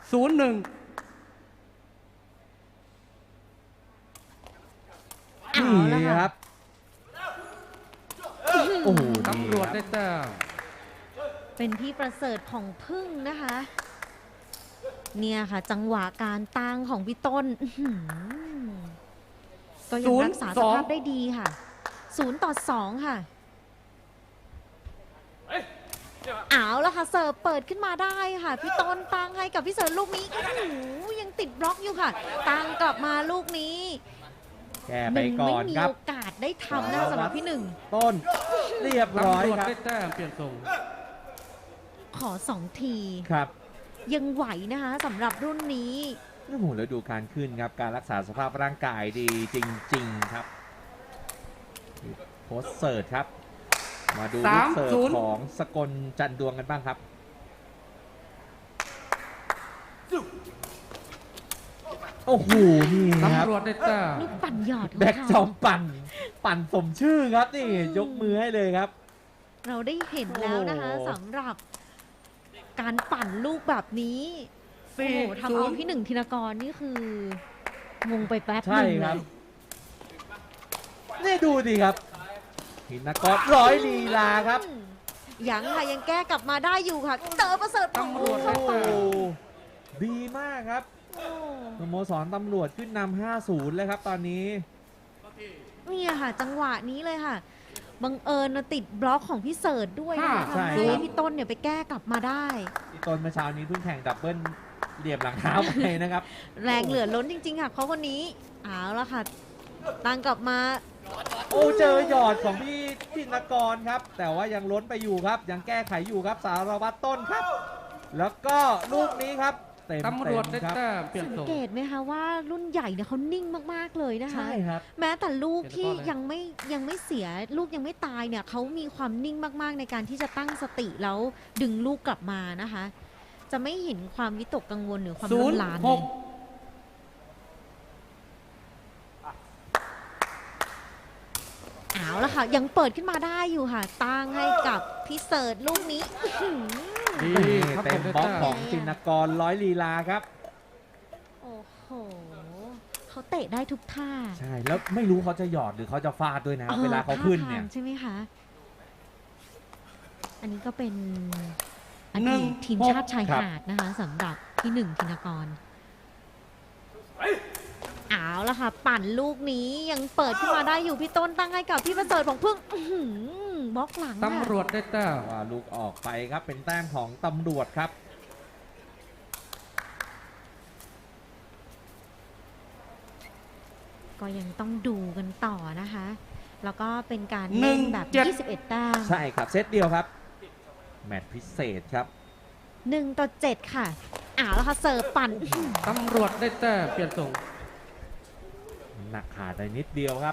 0-1 นี่ครับโอ้โหตำรวจได้แต้มเป็นพี่ประเสริฐของพึ่งนะคะ เนี่ยค่ะ จังหวะการตั้งของพี่ต้นก็ยังรักษาสภาพได้ดีค่ะ0-2ค่ะเอาแล้วค่ะเสิร์ฟเปิดขึ้นมาได้ค่ะพี่ต้นตั้งให้กับพี่เสิร์ฟลูกนี้โอ้โหยังติดบล็อกอยู่ค่ะตั้งกลับมาลูกนี้แก้ไปก่อนไม่มีครับโอกาสได้ทำนะสำหรับพี่หนึ่งต้นเรียบร้อยตำรวจครับได้แต้มเปลี่ยนทรงขอ2 ทีครับยังไหวนะคะสำหรับรุ่นนี้โอ้โหแล้วดูการขึ้นครับการรักษาสภาพร่างกายดีจริงๆครับโพสเสิร์ตครับมาดูลูกเสิร์ฟของสกลจันดวงกันบ้างครับโอ้โหนี่ครับตำรวจได้แต้มลูกปั่นหยอดของแบ็กจเขาอมปั่นสมชื่อครับนี่ยกมือให้เลยครับเราได้เห็นแล้วนะคะโอ้สำหรับการปั่นลูกแบบนี้โอ้โหทำเอาพี่หนึ่งธินกรนี่คืองงไปแป๊บหใช่นึ่งคเลรับยนี่ดูดิครับหินกรร้อยลีลาครับยังค่ะยังแก้กลับมาได้อยู่ค่ะเจอประเสริฐตำรวจโอ้ได้โหแต้มดีมากครับสโมสรตำรวจขึ้นนำ 5-0 เลยครับตอนนี้เนี่ยค่ะ จังหวะนี้เลยค่ะบังเอิญนะติดบล็อกของพี่เสิร์ชด้วยนะคะใช่ทำครัให้บพี่ต้นเนี่ยไปแก้กลับมาได้ที่ต้นเมื่อเช้านี้เพิ่งแข่งดับเบิลเหลี่ยมหลังเท้าไปนะครับแรงเหลือล้นจริง ๆ ค่ะเขาคนนี้เอาละค่ะตั้งกลับมาโอ้เจอหยอดของพี่ธินกรครับ แต่ว่ายังล้นไปอยู่ครับ ยังแก้ไขอยู่ครับสารวัตรต้นครับ แล้วก็ลูกนี้ครับเต็มตำรวจได้ครับแต้มเปลี่ยนสังทรงเกตไหมคะว่ารุ่นใหญ่เนี่ยเขานิ่งมากๆเลยนะคะใช่ครับแม้แต่ลูกที่เห็นแล้วก็เลยยังไม่เสียลูกยังไม่ตายเนี่ยเขามีความนิ่งมากๆในการที่จะตั้งสติแล้วดึงลูกกลับมานะคะ จะไม่เห็นความวิตกกังวลหรือความรุนแรงเลย 0-6 เอาละค่ะ ยังเปิดขึ้นมาได้อยู่ค่ะ ตั้งให้กับพี่เสิร์ชลูกนี้อื้อหือดีครับเต็มได้บล็อกแต้ขมองธินกรร้อยลีลาครับโอ้โหเขาเตะได้ทุกท่าใช่แล้วไม่รู้เขาจะหยอดหรือเขาจะฟาดด้วยนะครับเวลาเขาขึ้นเนี่ยท่ทงใช่ไหมคะ อันนี้ก็เป็นอหนึ่ดีงตทีมชาติชายครับหาดนะคะสำหรับพี่หนึ่งธินกรเอาละค่ะ ปั่นลูกนี้ยังเปิดขึ้นมาได้อยู่พี่ต้นตั้งให้กับพี่ประเสริฐของพึ่งอื้อหือบล็อกหลังตำรวจได้แต้มว่าลูกออกไปครับเป็นแต้มของตำรวจครับก็ยังต้องดูกันต่อนะคะ แล้วก็เป็นการหนึ่เล่งนแบบเจ็ด 21 แต้มใช่ครับเซตเดียวครับ แมตช์พิเศษครับ 1-7 ค่ะเอาละค่ะเสิร์ฟปั่นอื้อหือตำรวจได้แต้มเปลี่ยนทรงหนักขาดไปนิดเดียวครับ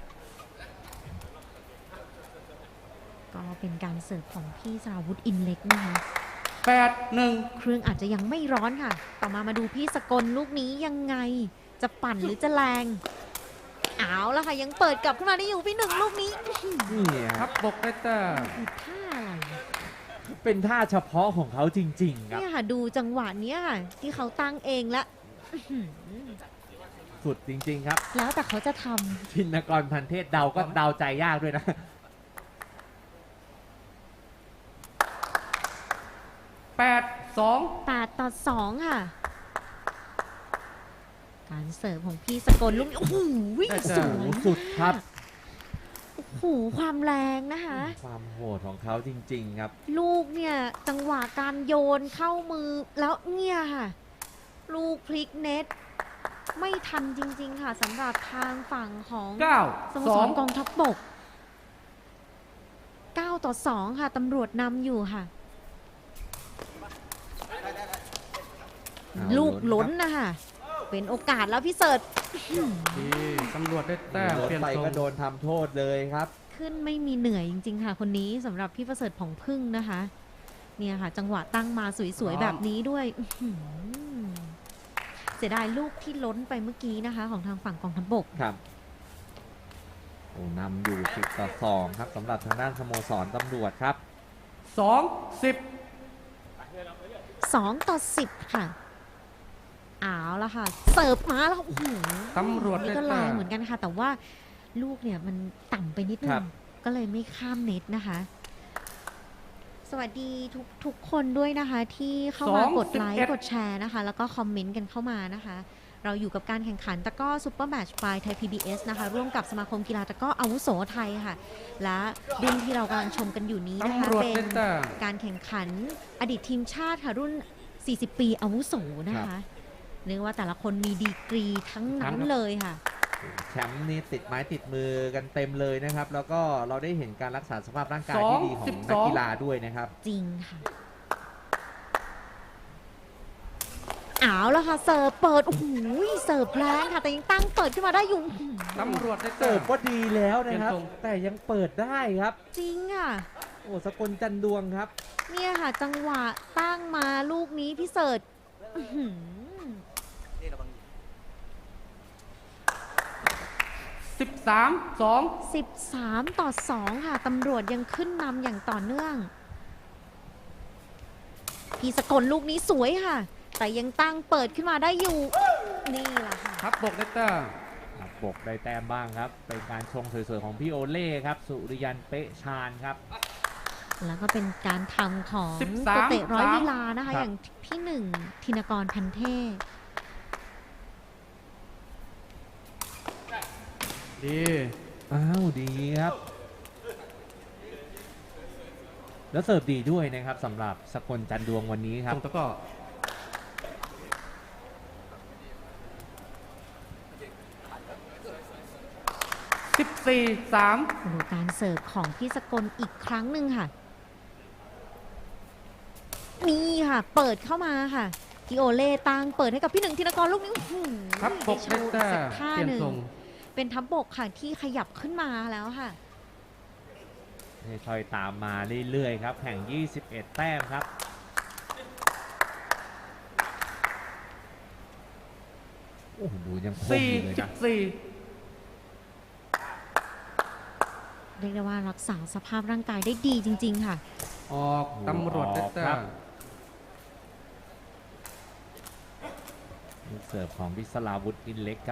ก็เป็นการเสิร์ฟของพี่สราวุธอินเล็กนะคะ 8-1 เครื่องอาจจะยังไม่ร้อนค่ะ ต่อมาดูพี่สกลลูกนี้ยังไง จะปั่นหรือจะแรง เอาละค่ะ ยังเปิดกลับขึ้นมาได้อยู่พี่หนึ่งลูกนี้อื้อหือนี่ทับบกได้แต้มคือท่าอะไรเป็นท่าเฉพาะของเขาจริงๆครับเนี่ยค่ะ ดูจังหวะเนี้ยค่ะ ที่เขาตั้งเองและอื้อหือสุดจริงๆครับแล้วแต่เขาจะทธินกรพันเทศเดาก็เดาใจยากด้วยนะ 8-2 ำ8-2 ค่ะ การเสิร์ฟของพี่สกลลูกนี้โอ้โหได้จ้ะสวยสุดครับโอ้โหความแรงนะคะความโหดของเขาจริงๆครับลูกเนี่ยจังหวะการโยนเข้ามือแล้วเนี่ยค่ะ ลูกพลิกเน็ต ไม่ทันจริง ๆ ค่ะสำหรับทางฝั่งของสโมสรกอง 9-2 ทัพบก 9-2 ค่ะตำรวจนำอยู่ค่ะเอาลูกล้ล้นนครับนะคะเป็นโอกาสแล้วพี่เสิร์ชดีตำรวจได้แต้มรถเปลี่ยนไปทรงก็โดนทำโทษเลยครับขึ้นไม่มีเหนื่อยจริง ๆ ค่ะ คนนี้สำหรับพี่ประเสริฐผ่องพึ่งนะคะ เนี่ยค่ะ จังหวะตั้งมาสวย ๆ แบบนี้ด้วยอื้อหือเสียดายลูกที่ล้นไปเมื่อกี้นะคะ ของทางฝั่งกองทัพบกครับโอ้นำอยู่10-2ครับสำหรับทางด้านสโมสรตำรวจครับ 2-10 2-10 ค่ะเอาละค่ะ เสิร์ฟมาแล้วโอ้โหตำรวจนี่ได้ก็แรแต้งมเหมือนกันค่ะ แต่ว่าลูกเนี่ยมันต่ำไปนิดนึครังบก็เลยไม่ข้ามเน็ตนะคะ สวัสดีทุกคนด้วยนะคะ ที่เข้ามากดไลค์กดแชร์นะคะ แล้วก็คอมเมนต์กันเข้ามานะคะ เราอยู่กับการแข่งขันตะกร้อซุปเปอร์แมตช์ไฟไทย PBS นะคะ ร่วมกับสมาคมกีฬาตะกร้ออาวุโสไทยค่ะ และรุ่นที่เรากำลังชมกันอยู่นี้นะคะตำรวจเป็ได้นแต้มการแข่งขันอดีตทีมชาติค่ะ รุ่น 40 ปีอาวุโสนะคะเรียกว่าแต่ละคนมีดีกรีทั้งนั้นเลยค่ะแชมป์นี่ติดไม้ติดมือกันเต็มเลยนะครับ แล้วก็เราได้เห็นการรักษาสภาพร่างกายที่ดีของนักกีฬาด้วยนะครับจริงค่ะเอาแล้วค่ะ เสิร์ฟเปิด โอ้โหเสิร์ฟแรงค่ะ แต่ยังตั้งเปิดขึ้นมาได้อยู่ตำรวจได้เสิแต้ร์ฟมก็ดีแล้วนะครับเปลี่ยนทรงแต่ยังเปิดได้ครับจริงอ่ะโอ้สกลจันดวงครับเนี่ยค่ะ จังหวะตั้งมาลูกนี้พี่เสิร์ชอื้อหือ 13-2 13-2 ค่ะ ตำรวจยังขึ้นนำอย่างต่อเนื่อง พี่สกลลูกนี้สวยค่ะ แต่ยังตั้งเปิดขึ้นมาได้อยู่ นี่แหละค่ะทับบกได้แต้มบกได้แต้มบ้างครับ เป็นการชงสวยๆของพี่โอเล่ครับ สุริยันเป๊ะชาญครับแล้วก็เป็นการทำของ 13 ตัวเตะร้อยลีลานะคะครับอย่างพี่หนึ่งธินกรพันเทพดีอ้าวดีครับ แล้วเสิร์ฟดีด้วยนะครับสำหรับสกลจันดวงวันนี้คตรับรงตะกร้อ14-3 โอ้โหการเสิร์ฟของพี่สกลอีกครั้งหนึ่งค่ะ นี่ค่ะ เปิดเข้ามาค่ะพี่โอเล่ตั้งเปิดให้กับพี่หนึ่งธินกรลูกนี้อื้อหือทับบกได้แต้สัมกท่าเปลี่ยนหนึ่งทรงเป็นทับบกค่ะที่ขยับขึ้นมาแล้วค่ะค่อยๆตามมาเรื่อยๆครับแข่ง 21 แต้มครับ โอ้โหดูยังคมอยู่เลยนะ 4-14 เรียกได้ว่ารักษาสภาพร่างกายได้ดีจริง ๆ ค่ะออกตำรวจได้แต้ครัมบ ลูกเสิร์ฟของพิศราวุธอินเล็กครับ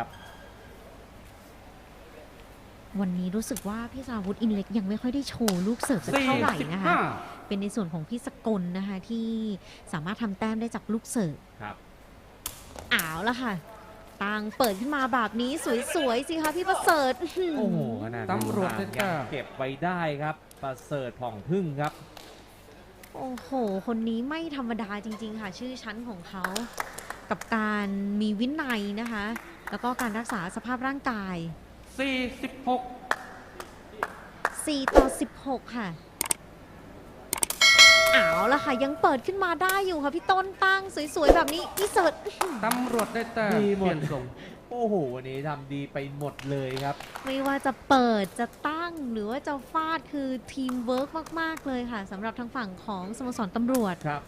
วันนี้รู้สึกว่าพี่สราวุธอินเล็กยังไม่ค่อยได้โชว์ลูกเสิร์ฟสักเท่าไหร่นะคะ 45 เป็นในส่วนของพี่สกลนะคะที่สามารถทำแต้มได้จากลูกเสิร์ฟครับอ้าวแล้วค่ะตังเปิดขึ้นมาแบบนี้สวยๆสิคะพี่ประเสริฐอื้อหือโอ้โหขนาดตำรวจได้ยัแต้งมเก็บไว้ได้ครับ ประเสริฐผ่องพึ่งครับโอ้โห คนนี้ไม่ธรรมดาจริง ๆ ค่ะ ชื่อชั้นของเขา กับการมีวินัยนะคะ แล้วก็การรักษาสภาพร่างกาย 46 4-16 ค่ะเอาละค่ะ ยังเปิดขึ้นมาได้อยู่ค่ะ พี่ต้นตั้งสวยๆ แบบนี้พี่เสิร์ชตำรวจได้แต้มดีหเปมดลี่ยนทรงโอ้โห วันนี้ทำดีไปหมดเลยครับไม่ว่าจะเปิดจะตั้งหรือว่าจะฟาดคือทีมเวิร์กมาก ๆ เลยค่ะสำหรับทางฝั่งของสโมสรตำรวจครับ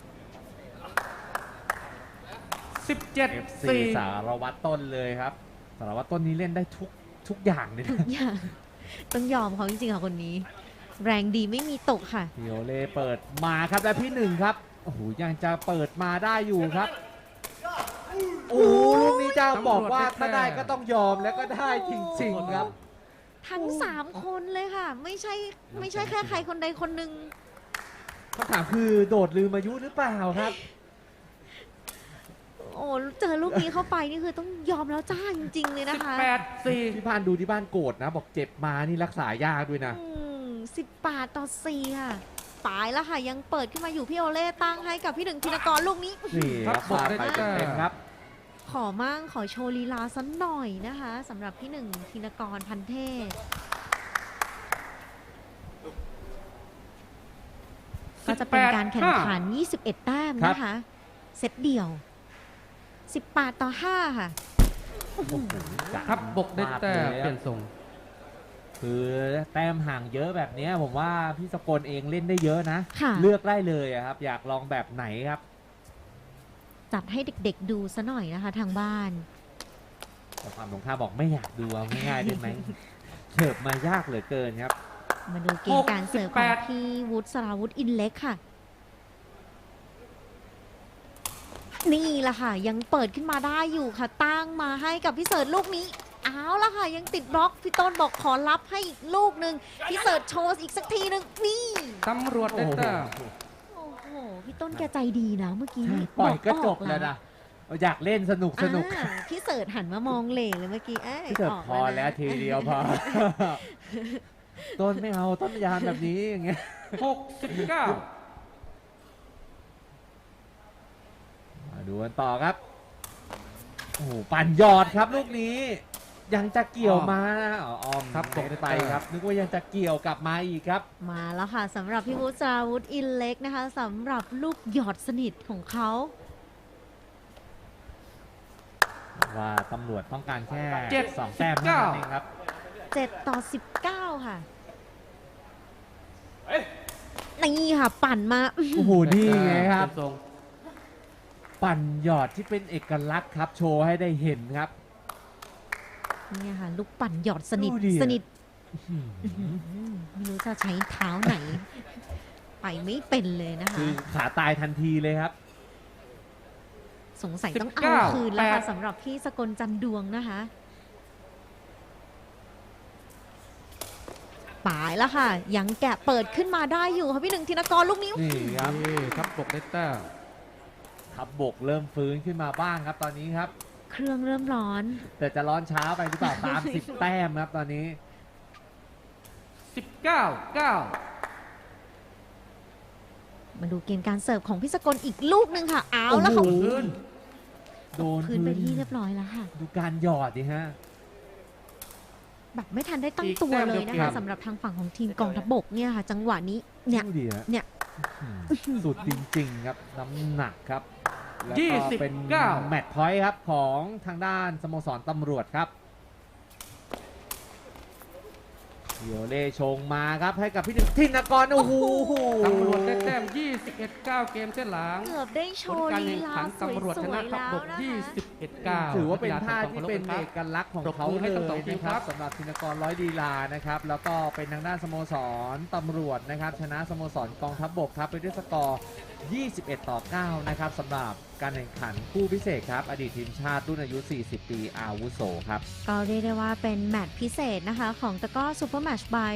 FC 17-4 สารวัตรต้นเลยครับ สารวัตรต้นนี้เล่นได้ทุกอย่างเลยทุนะกอย่าง ต้องยอมเขาจริงๆค่ะคนนี้ แรงดีไม่มีตกค่ะพิโอเล่เปิดมาครับและพี่หนึ่งครับ โอ้โห ยังจะเปิดมาได้อยู่ครับ โอ้โหลูกนี้เจ้าบอกว่าถ้าได้ก็ต้องยอมแล้วก็ได้จริงๆครับทั้ง 3 คนเลยค่ะ ไม่ใช่แค่ใครคนใดคนหนึ่งคำถามคือโดดลืมอายุหรือเปล่าครับโอ้เจอลูกนี้เข้าไปนี่คือต้องยอมแล้วจ้าจริง ๆ เลยนะคะ 18-4 พี่พานดูที่บ้านโกรธนะ บอกเจ็บมานี่รักษายากด้วยนะ 18-4 ค่ะปลายแล้วค่ะ ยังเปิดขึ้นมาอยู่พี่โอเล่ตั้งให้กับพี่หนึ่งธินกรลูกนี้นี่ครับครับฟาดไปเต็มๆครับขอโชว์ลีลาสักหน่อยนะคะสำหรับพี่หนึ่งธินกรพันเทพก็จะเป็นการแข่งขัน 21 แต้มนะคะ เซตเดี่ยว 18-5 ค่ะโอ้โหทับบกได้แต้มเปลี่ยนทรงคือแต้มห่างเยอะแบบเนี้ยผมว่าพี่สกลเองเล่นได้เยอะนะค่ะเลือกได้เลยอะครับ อยากลองแบบไหนครับจัดให้เด็กๆดูซะหน่อยนะคะทางบ้านแต่ความตรงข้ามบอกไม่อยากดูเอาง่ายๆได้ไหม เสิร์ฟมายากเหลือเกินครับมาดูเกมการเสิร์ฟของพี่วุฒิสราวุธอินเล็กค่ะนี่แหละค่ะ ยังเปิดขึ้นมาได้อยู่ค่ะ ตั้งมาให้กับพี่เสิร์ชลูกนี้เอาละค่ะ ยังติดบล็อกพี่ต้นบอกขอรับให้อีกลูกหนึ่งพี่เสิร์ชโชว์อีกสักทีหนึ่งนี่ตำรวจได้แต้มโอ้โหพี่ต้นแกใจดีนะเมื่อกี้ปล่อยก็จบออแล้วนะอยากเล่นสนุกอ่าพี่เสิร์ชหันมามองเหล่เลยเมื่อกี้พี่เถิดออกพอแล้วนะทีเดียวพอ ต้นไม่เอาต้นยานแบบนี้อย่างเงี้ย 69 มาดูกันต่อครับ โอ้โหปั่นยอดครับลูกนี้ ยังจะเกี่ยวมานะออมครับตกไปครับ นึกว่ายังจะเกี่ยวกลับมาอีกครับมาแล้วค่ะสำหรับพี่วุฒิสราวุธอินเล็กนะคะสำหรับลูกหยอดสนิทของเขาว่าตำรวจต้องการแค่ 7 2 แต้มเท่านั้นเองครับ 7-19 ค่ะนี่ค่ะปั่นมาโอ้โห นี่ไงครับเปลี่ยนทรงปั่นหยอดที่เป็นเอกลักษณ์ครับ โชว์ให้ได้เห็นครับเนี่ยค่ะ ลูกปั่นหยอดสนิทดูดิสนิทอื้อหือไม่รู้จะใช้เท้าไหน ไปไม่เป็นเลยนะคะคือขาตายทันทีเลยครับสงสัยต้องเอา 19 คืนแล้วค่ะ 8 สำหรับพี่สกลจันดวงนะคะป่ายแล้วค่ะ ยังแกะเปิดขึ้นมาได้อยู่ค่ะพี่หนึ่งธินกรลูกนี้นี่ครับนี่ครับบกได้แต้มทับบกเริ่มฟื้นขึ้นมาบ้างครับตอนนี้ครับเครื่องเริ่มร้อนแต่จะร้อนช้าไปหรือเปล่า ตาม 10 แต้มครับตอนนี้ 19 9 มาดูเกมการเสิร์ฟของพี่สกลอีกลูกหนึ่งค่ะ เอาแล้วค่ะโอ้โหพื้นโดนพื้นไปที่เรียบร้อยแล้วค่ะดูการหยอดดิฮะแบบไม่ทันได้ตั้งอีกตัวแต้มเลยเดีนะยวคะเกมสำหรับทางฝั่งของทีมกองทัพบกเนี่ยค่ะ จังหวะนี้เนี่ยดูดิฮะเนี่ยสุดจริงๆครับ น้ำหนักครับ แล้วยี่ก็สิบเป็นเก้าแมตช์พอยต์ครับของทางด้านสโมสรตำรวจครับเดียวเล่ชงมาครับให้กับพี่ธินกรโอ้โหตำรวจได้แต้ม 21 9 เกมเส้นหลังเกือบได้โชผลว์การลีแข่งลาขันสวยตำรวจชนะๆทัพแล้วบกนะคะ 21 9 ถือว่าเป็นท่าที่เป็นเอกลักษณ์ของเขาปรบมือให้เลทั้งสองยทีมนะคครัรับบ สำหรับธินกรร้อยดีลานะครับ แล้วก็เป็นทางด้านสโมสรตำรวจนะครับ ชนะสโมสรกองทัพบกครับไปด้วยสกอร์ 21-9 นะครับสำหรับการแข่งขันคู่พิเศษครับ อดีตทีมชาติรุ่นอายุ 40 ปีอาวุโสครับก็เรียกได้ว่าเป็นแมตช์พิเศษนะคะ ของตะกร้อซูเปอร์แมตช์บาย